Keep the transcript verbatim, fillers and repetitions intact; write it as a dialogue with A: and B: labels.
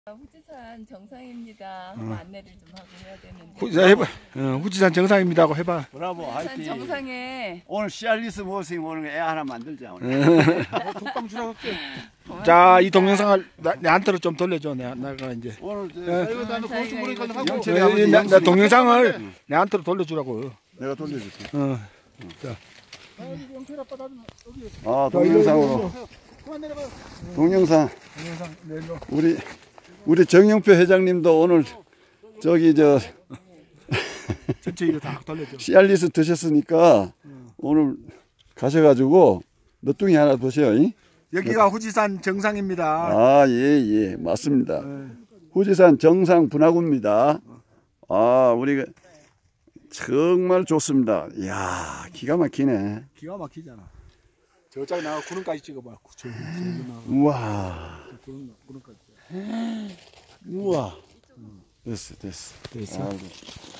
A: 후지산 정상입니다. 어. 안내를 좀 하고 해야 되는데.
B: 후, 해봐. 어, 후지산 정상입니다 하고 해봐.
C: 브라보,
A: 후지산 정상에
C: 오늘 씨알리스 모습 오늘 애 하나 만들자. 오늘.
B: 톡방 주라고 할게. 자, 이 동영상을 나, 내한테로 좀 돌려줘. 내가, 내가 이제.
C: 오늘 저
B: 네, 나, 나 동영상을 내한테로 돌려주라고.
C: 내가 돌려줄게.
B: 어.
C: 자. 아, 동영상으로. 동영상. 우리 우리 정영표 회장님도 오늘 저기 저
B: 전체 이거 다 돌려줘.
C: 씨알리스 드셨으니까 오늘 가셔가지고 너뚱이 하나 드셔요. 이?
B: 여기가 후지산 정상입니다.
C: 아, 예, 예, 맞습니다. 후지산 정상 분화구입니다. 아, 우리가 정말 좋습니다. 이야, 기가 막히네.
B: 기가 막히잖아. 저쪽에 나가 구름까지 찍어봐. 저,
C: 우와.
B: 구름, 구름까지.
C: 우와. 됐어, 됐어.
B: 됐어.
C: 아이고.